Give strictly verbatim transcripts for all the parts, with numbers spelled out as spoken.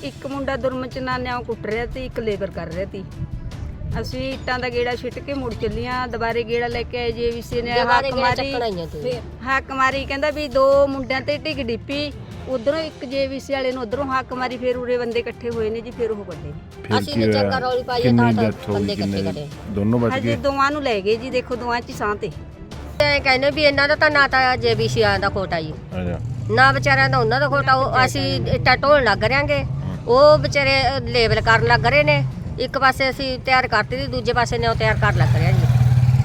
ਇੱਕ ਮੁੰਡਾ ਦੁਰਮ ਚ ਨਾਨਿਆਂ ਕੁੱਟ ਰਿਹਾ ਤੇ ਇੱਕ ਲੇਬਰ ਕਰ ਰਿਹਾ ਸੀ। ਅਸੀਂ ਇੱਟਾਂ ਦਾ ਗੇੜਾ ਛਿੱਟ ਕੇ ਮੁੜ ਚੱਲੀਆਂ, ਦੁਬਾਰੇ ਗੇੜਾ ਲੈ ਕੇ ਆਏ ਜੇਵੀਸੀ ਨੇ ਹੱਕ ਮਾਰੀ ਹੱਕ ਮਾਰੀ ਕਹਿੰਦਾ ਵੀ ਦੋ ਮੁੰਡਿਆਂ ਤੇ ਢਿੱਗ ਡਿੱਪੀ, ਉਧਰੋਂ ਇੱਕ ਜੇਵੀਸੀ ਵਾਲੇ ਨੂੰ ਉਧਰੋਂ ਹੱਕ ਮਾਰੀ, ਫਿਰ ਉਰੇ ਬੰਦੇ ਇਕੱਠੇ ਹੋਏ ਨੇ ਜੀ, ਫਿਰ ਉਹ ਵੱਡੇ ਅਸੀਂ ਨੇ ਚੱਕਰ ਰੌਲੀ ਪਾਈ ਤਾਂ ਬੰਦੇ ਇਕੱਠੇ ਕਰੇ ਦੋਨੋਂ ਬਚ ਹਜੇ ਗਏ। ਦੋਵਾਂ ਨੂੰ ਲੈ ਗਏ ਜੀ, ਦੇਖੋ ਦੋਵਾਂ ਚ ਸਾਹ ਤੇ ਐ ਕਹਿੰਦੇ ਵੀ ਇਹਨਾਂ ਦਾ ਤਾਂ ਨਾ ਤਾਂ ਜੇਬੀਸੀ ਦਾ ਖੋਟਾ ਜੀ, ਅੱਛਾ ਨਾ ਵਿਚਾਰਿਆਂ ਦਾ ਉਹਨਾਂ ਦਾ ਖੋਟਾ। ਉਹ ਅਸੀਂ ਇੱਟਾਂ ਢੋਣ ਲੱਗ ਰਿਆਂਗੇ, ਉਹ ਵਿਚਾਰੇ ਲੇਬਲ ਕਰਨ ਲੱਗ ਰਹੇ ਨੇ। ਇੱਕ ਪਾਸੇ ਅਸੀਂ ਤਿਆਰ ਕਰਤੀ ਤੇ ਦੂਜੇ ਪਾਸੇ ਨੇ ਉਹ ਤਿਆਰ ਕਰ ਲੱਗ ਰਿਹਾ ਜੀ।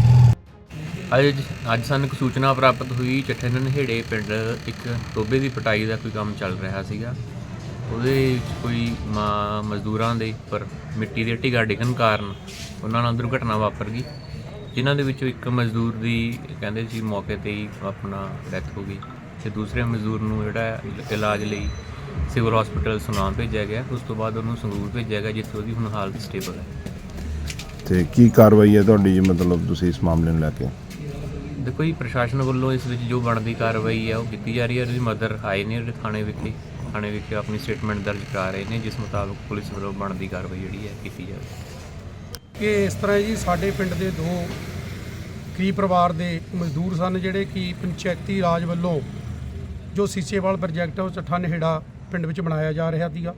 ਅੱਜ ਅੱਜ ਸਾਨੂੰ ਇੱਕ ਸੂਚਨਾ ਪ੍ਰਾਪਤ ਹੋਈ, ਚੱਠੇ ਨਹੇੜੇ ਪਿੰਡ ਇੱਕ ਟੋਬੇ ਦੀ ਪਟਾਈ ਦਾ ਕੋਈ ਕੰਮ ਚੱਲ ਰਿਹਾ ਸੀਗਾ। ਉਹਦੇ ਵਿੱਚ ਕੋਈ ਮਾ ਮਜ਼ਦੂਰਾਂ ਦੇ ਉੱਪਰ ਮਿੱਟੀ ਦੇ ਢਿੱਗਾ ਡਿੱਗਣ ਕਾਰਨ ਉਹਨਾਂ ਨਾਲ ਦੁਰਘਟਨਾ ਵਾਪਰ ਗਈ, ਜਿਨ੍ਹਾਂ ਦੇ ਵਿੱਚੋਂ ਇੱਕ ਮਜ਼ਦੂਰ ਦੀ ਕਹਿੰਦੇ ਸੀ ਮੌਕੇ 'ਤੇ ਹੀ ਆਪਣਾ ਡੈਥ ਹੋ ਗਈ ਅਤੇ ਦੂਸਰੇ ਮਜ਼ਦੂਰ ਨੂੰ ਜਿਹੜਾ ਇਲਾਜ ਲਈ ਸਿਵਲ ਹਸਪੀਟਲ ਸੁਨਾਮ ਭੇਜਿਆ ਗਿਆ। ਉਸ ਤੋਂ ਬਾਅਦ ਉਹਨੂੰ ਸੰਗਰੂਰ ਭੇਜਿਆ ਗਿਆ, ਜਿੱਥੇ ਉਹਦੀ ਹੁਣ ਹਾਲਤ ਸਟੇਬਲ ਹੈ। ਤੇ ਕੀ ਕਾਰਵਾਈ ਹੈ ਤੁਹਾਡੀ ਜੀ, ਮਤਲਬ ਤੁਸੀਂ ਇਸ ਮਾਮਲੇ ਨੂੰ ਲੈ ਕੇ? ਦੇਖੋ ਜੀ, ਪ੍ਰਸ਼ਾਸਨ ਵੱਲੋਂ ਇਸ ਵਿੱਚ ਜੋ ਬਣਦੀ ਕਾਰਵਾਈ ਹੈ ਉਹ ਕੀਤੀ ਜਾ ਰਹੀ ਹੈ। ਉਹਦੀ ਮਦਰ ਆਏ ਨੇ ਥਾਣੇ ਵਿਖੇ ਥਾਣੇ ਵਿਖੇ ਆਪਣੀ ਸਟੇਟਮੈਂਟ ਦਰਜ ਕਰਾ ਰਹੇ ਨੇ, ਜਿਸ ਮੁਤਾਬਕ ਪੁਲਿਸ ਵੱਲੋਂ ਬਣਦੀ ਕਾਰਵਾਈ ਜਿਹੜੀ ਹੈ ਕੀਤੀ ਜਾਵੇ। ਕਿ ਇਸ ਤਰ੍ਹਾਂ ਜੀ ਸਾਡੇ ਪਿੰਡ ਦੇ ਦੋ ਗਰੀਬ ਪਰਿਵਾਰ ਦੇ ਮਜ਼ਦੂਰ ਸਨ, ਜਿਹੜੇ ਕਿ ਪੰਚਾਇਤੀ ਰਾਜ ਵੱਲੋਂ ਜੋ ਸੀਸੇਵਾਲ ਪ੍ਰੋਜੈਕਟ ਉਹ ਚੱਠਾ ਨਹੇੜਾ ਪਿੰਡ ਵਿੱਚ ਬਣਾਇਆ ਜਾ ਰਿਹਾ ਸੀਗਾ,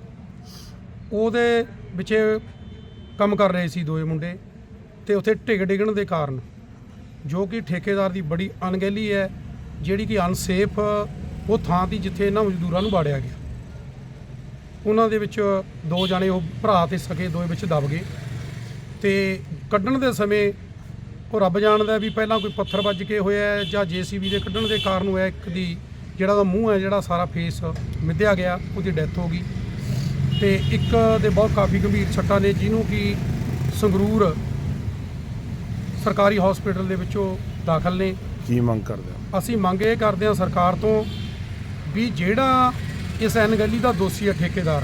ਉਹਦੇ ਵਿੱਚ ਕੰਮ ਕਰ ਰਹੇ ਸੀ ਦੋਏ ਮੁੰਡੇ, ਤੇ ਉੱਥੇ ਢਿੱਗ ਡਿੱਗਣ ਦੇ ਕਾਰਨ ਜੋ ਕਿ ਠੇਕੇਦਾਰ ਦੀ ਬੜੀ ਅਣਗਹਿਲੀ ਹੈ, ਜਿਹੜੀ ਕਿ ਅਨਸੇਫ ਉਹ ਥਾਂ ਦੀ ਜਿੱਥੇ ਇਹਨਾਂ ਮਜ਼ਦੂਰਾਂ ਨੂੰ ਵਾੜਿਆ ਗਿਆ। ਉਹਨਾਂ ਦੇ ਵਿੱਚ ਦੋ ਜਾਣੇ ਉਹ ਭਰਾ ਤੇ ਸਕੇ ਦੋਏ ਵਿੱਚ ਦਬ ਗਏ, ਤੇ ਕੱਢਣ ਦੇ ਸਮੇਂ ਉਹ ਰੱਬ ਜਾਣਦਾ ਵੀ ਪਹਿਲਾਂ ਕੋਈ ਪੱਥਰ ਵੱਜ ਕੇ ਹੋਇਆ ਜਾਂ ਜੇਸੀਬੀ ਦੇ ਕੱਢਣ ਦੇ ਕਾਰਨ ਹੋਇਆ। ਇੱਕ ਦੀ ਜਿਹੜਾ ਉਹਦਾ ਮੂੰਹ ਹੈ, ਜਿਹੜਾ ਸਾਰਾ ਫੇਸ ਮਿੱਧਿਆ ਗਿਆ, ਉਹਦੀ ਡੈਥ ਹੋ ਗਈ, ਤੇ ਇੱਕ ਦੇ ਬਹੁਤ ਕਾਫੀ ਗੰਭੀਰ ਸੱਟਾਂ ਨੇ, ਜਿਹਨੂੰ ਕਿ ਸੰਗਰੂਰ ਸਰਕਾਰੀ ਹਸਪੀਟਲ ਦੇ ਵਿੱਚੋਂ ਦਾਖਲ ਨੇ। ਕੀ ਮੰਗ ਕਰਦੇ ਹੋ? ਅਸੀਂ ਮੰਗ ਇਹ ਕਰਦੇ ਹਾਂ ਸਰਕਾਰ ਤੋਂ ਵੀ ਜਿਹੜਾ ਇਸ ਅਣਗਹਿਲੀ ਦਾ ਦੋਸ਼ੀ ਹੈ ਠੇਕੇਦਾਰ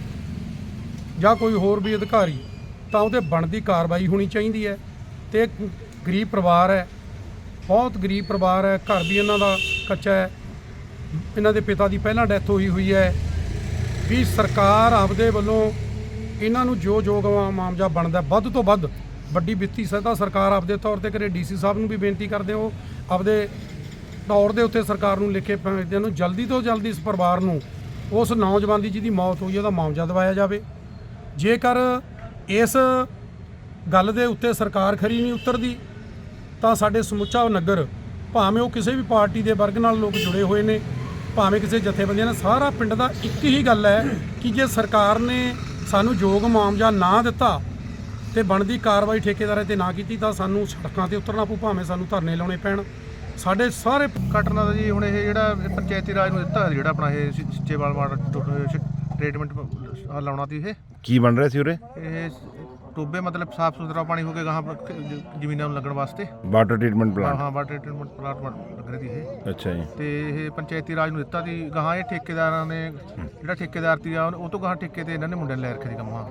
ਜਾਂ ਕੋਈ ਹੋਰ ਵੀ ਅਧਿਕਾਰੀ, ਤਾਂ ਉਹਦੇ ਬਣਦੀ ਕਾਰਵਾਈ ਹੋਣੀ ਚਾਹੀਦੀ ਹੈ। ਤੇ ਗਰੀਬ ਪਰਿਵਾਰ ਹੈ, ਬਹੁਤ ਗਰੀਬ ਪਰਿਵਾਰ ਹੈ, ਘਰ ਵੀ ਇਹਨਾਂ ਦਾ ਕੱਚਾ ਹੈ, ਇਹਨਾਂ ਦੇ ਪਿਤਾ ਦੀ ਪਹਿਲਾਂ ਡੈਥ ਹੋਈ ਹੋਈ ਹੈ। ਵੀ ਸਰਕਾਰ ਆਪਦੇ ਵੱਲੋਂ ਇਹਨਾਂ ਨੂੰ ਜੋ ਜੋ ਮੁਆਵਜ਼ਾ ਬਣਦਾ ਵੱਧ ਤੋਂ ਵੱਧ ਵੱਡੀ ਵਿੱਤੀ ਸਹਾਇਤਾ ਸਰਕਾਰ ਆਪਦੇ ਤੌਰ ਤੇ ਕਰੇ। ਡੀਸੀ ਸਾਹਿਬ ਨੂੰ ਵੀ ਬੇਨਤੀ ਕਰਦੇ ਹੋ ਆਪਦੇ ਤੌਰ ਦੇ ਉੱਤੇ ਸਰਕਾਰ ਨੂੰ ਲਿਖੇ ਭੇਜਦੇ ਨੂੰ ਜਲਦੀ ਤੋਂ ਜਲਦੀ ਇਸ ਪਰਿਵਾਰ ਨੂੰ ਉਸ ਨੌਜਵਾਨ ਦੀ ਜਿਹਦੀ ਮੌਤ ਹੋਈ ਉਹਦਾ ਮੁਆਵਜ਼ਾ ਦਿਵਾਇਆ ਜਾਵੇ। ਜੇਕਰ ਇਸ ਗੱਲ ਦੇ ਉੱਤੇ ਸਰਕਾਰ ਖਰੀ ਨਹੀਂ ਉਤਰਦੀ ਤਾਂ ਸਾਡੇ ਸਮੁੱਚਾ ਨਗਰ, ਭਾਵੇਂ ਉਹ ਕਿਸੇ ਵੀ ਪਾਰਟੀ ਦੇ ਵਰਗ ਨਾਲ ਲੋਕ ਜੁੜੇ ਹੋਏ ਨੇ, ਭਾਵੇਂ ਕਿਸੇ ਜਥੇਬੰਦੀਆਂ ਨਾਲ, ਸਾਰਾ ਪਿੰਡ ਦਾ ਇੱਕ ਹੀ ਗੱਲ ਹੈ ਕਿ ਜੇ ਸਰਕਾਰ ਨੇ ਸਾਨੂੰ ਯੋਗ ਮੁਆਵਜ਼ਾ ਨਾ ਦਿੱਤਾ ਤੇ ਬਣਦੀ ਕਾਰਵਾਈ ਠੇਕੇਦਾਰਾਂ ਤੇ ਨਾ ਕੀਤੀ ਤਾਂ ਸਾਨੂੰ ਸੜਕਾਂ ਤੇ ਉਤਰਨਾ ਪਊ, ਭਾਵੇਂ ਸਾਨੂੰ ਧਰਨੇ ਲਾਉਣੇ ਪੈਣ। ਸਾਡੇ ਸਾਰੇ ਘਟਨਾ ਦਾ ਜੀ ਹੁਣ ਇਹ ਜਿਹੜਾ ਪੰਚਾਇਤੀ ਰਾਜ ਨੂੰ ਦਿੱਤਾ, ਜਿਹੜਾ ਆਪਣਾ ਇਹ ਸਿੱਚੇਵਾਲ ਵਾਟਰ ਟ੍ਰੀਟਮੈਂਟ ਲਾਉਣਾ ਸੀ, ਇਹ ਕੀ ਬਣ ਰਿਹਾ ਸੀ ਉਰੇ? ਇਹ ਟੋਬੇ ਮਤਲਬ ਸਾਫ ਸੁਥਰਾ ਪਾਣੀ ਹੋ ਕੇ ਗਾਹਾਂ ਜ਼ਮੀਨਾਂ ਨੂੰ ਲੱਗਣ ਵਾਸਤੇ ਵਾਟਰ ਟ੍ਰੀਟਮੈਂਟ ਹਾਂ ਪਲਾਂਟ? ਹਾਂ ਵਾਟਰ ਟ੍ਰੀਟਮੈਂਟ ਪਲਾਂਟ ਲੱਗ ਰਹੀ ਸੀ ਇਹ। ਅੱਛਾ ਜੀ। ਤੇ ਇਹ ਪੰਚਾਇਤੀ ਰਾਜ ਨੂੰ ਦਿੱਤਾ ਸੀ ਗਾਹਾਂ, ਇਹ ਠੇਕੇਦਾਰਾਂ ਨੇ ਜਿਹੜਾ ਠੇਕੇਦਾਰ ਸੀ ਉਹ ਤੋਂ ਗਾਹਾਂ ਠੇਕੇ ਤੇ ਇਹਨਾਂ ਨੇ ਮੁੰਡਿਆਂ ਨੇ ਲੈ ਰੱਖੇ ਸੀ ਕੰਮ। ਹਾਂ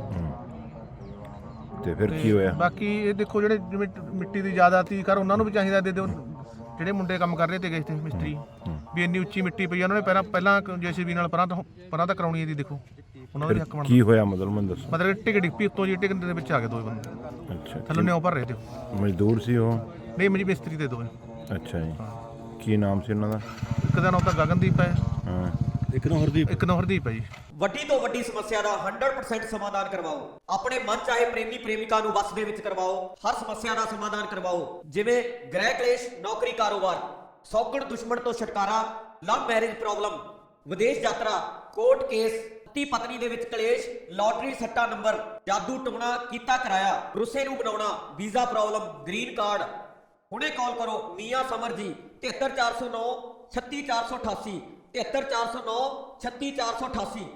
ਤੇ ਫਿਰ ਕੀ ਹੋਇਆ? ਬਾਕੀ ਇਹ ਦੇਖੋ ਜਿਹੜੇ ਜਿਵੇਂ ਮਿੱਟੀ ਦੀ ਜ਼ਿਆਦਾ ਤੀ ਕਰ ਉਹਨਾਂ ਨੂੰ ਵੀ ਚਾਹੀਦਾ ਦੇ ਦਿਓ, ਜਿਹੜੇ ਮੁੰਡੇ ਕੰਮ ਕਰ ਰਹੇ ਤੇ ਇੱਥੇ ਮਿਸਤਰੀ, ਵੀ ਇੰਨੀ ਉੱਚੀ ਮਿੱਟੀ ਪਈ ਉਹਨਾਂ ਨੇ ਪਹਿਲਾਂ ਪਹਿਲਾਂ ਜੇਸੀਬੀ ਨਾਲ ਪਰਾਂ ਤੋਂ ਪਰਾਂ ਤਾਂ ਕਰਾਉਣੀ ਇਹਦੀ, ਦੇਖੋ ਉਹਨਾਂ ਦਾ ਹੱਕ ਬਣਦਾ। ਕੀ ਹੋਇਆ ਮਤਲਬ ਮੈਨੂੰ ਦੱਸੋ? ਮਤਲਬ ਟਿਕ ਡਿੱਪੀ ਉੱਤੋਂ ਜੀ ਟਿਕਣ ਦੇ ਵਿੱਚ ਆ ਗਏ ਦੋ ਬੰਦੇ, ਅੱਛਾ, ਥੱਲੋਂ ਨਿਉ ਭਰ ਰਹੇ ਤੇ ਮਜ਼ਦੂਰ ਸੀ ਉਹ? ਨਹੀਂ ਮੇਰੀ ਮਿਸਤਰੀ ਦੇ ਦੋ। ਅੱਛਾ ਜੀ। ਕੀ ਨਾਮ ਸੀ ਉਹਨਾਂ ਦਾ? ਇੱਕ ਦਾ ਨਾਮ ਤਾਂ ਗਗਨਦੀਪ ਹੈ, ਹਾਂ, ਇੱਕ ਨੂੰ ਹਰਦੀਪ ਇੱਕ ਨੂੰ ਹਰਦੀਪ ਹੈ ਜੀ। ਵੱਡੀ ਤੋਂ ਵੱਡੀ ਸਮੱਸਿਆ ਦਾ ਸੌ ਪਰਸੈਂਟ ਸਮਾਧਾਨ ਕਰਵਾਓ। ਆਪਣੇ ਮਨ ਚਾਹੇ ਪ੍ਰੇਮੀ ਪ੍ਰੇਮਿਕਾ ਨੂੰ ਵਸ ਦੇ ਵਿੱਚ ਕਰਵਾਓ। ਹਰ ਸਮੱਸਿਆ ਦਾ ਸਮਾਧਾਨ ਕਰਵਾਓ, ਜਿਵੇਂ ਗ੍ਰਹਿ ਕਲੇਸ਼, ਨੌਕਰੀ, ਕਾਰੋਬਾਰ, ਸੌਗਣ ਦੁਸ਼ਮਣ ਤੋਂ ਛੁਟਕਾਰਾ, ਲਵ ਮੈਰਿਜ ਪ੍ਰੋਬਲਮ, ਵਿਦੇਸ਼ ਯਾਤਰਾ, ਕੋਰਟ ਕੇਸ, ਪਤੀ ਪਤਨੀ ਦੇ ਵਿੱਚ ਕਲੇਸ਼, ਲਾਟਰੀ ਸੱਟਾ ਨੰਬਰ, ਜਾਦੂ ਟੋਣਾ ਕੀਤਾ ਕਰਾਇਆ, ਰੁੱਸੇ ਨੂੰ ਬਣਾਉਣਾ, ਵੀਜ਼ਾ ਪ੍ਰੋਬਲਮ, ਗ੍ਰੀਨ ਕਾਰਡ। ਹੁਣੇ ਕਾਲ ਕਰੋ ਮੀਆਂ ਸਮਰ ਜੀ, ਤਿਹੱਤਰ ਚਾਰ ਸੌ ਨੌ ਛੱਤੀ ਚਾਰ ਸੌ ਅਠਾਸੀ, ਤਿਹੱਤਰ ਚਾਰ ਸੌ ਨੌ ਛੱਤੀ ਚਾਰ ਸੌ ਅਠਾਸੀ।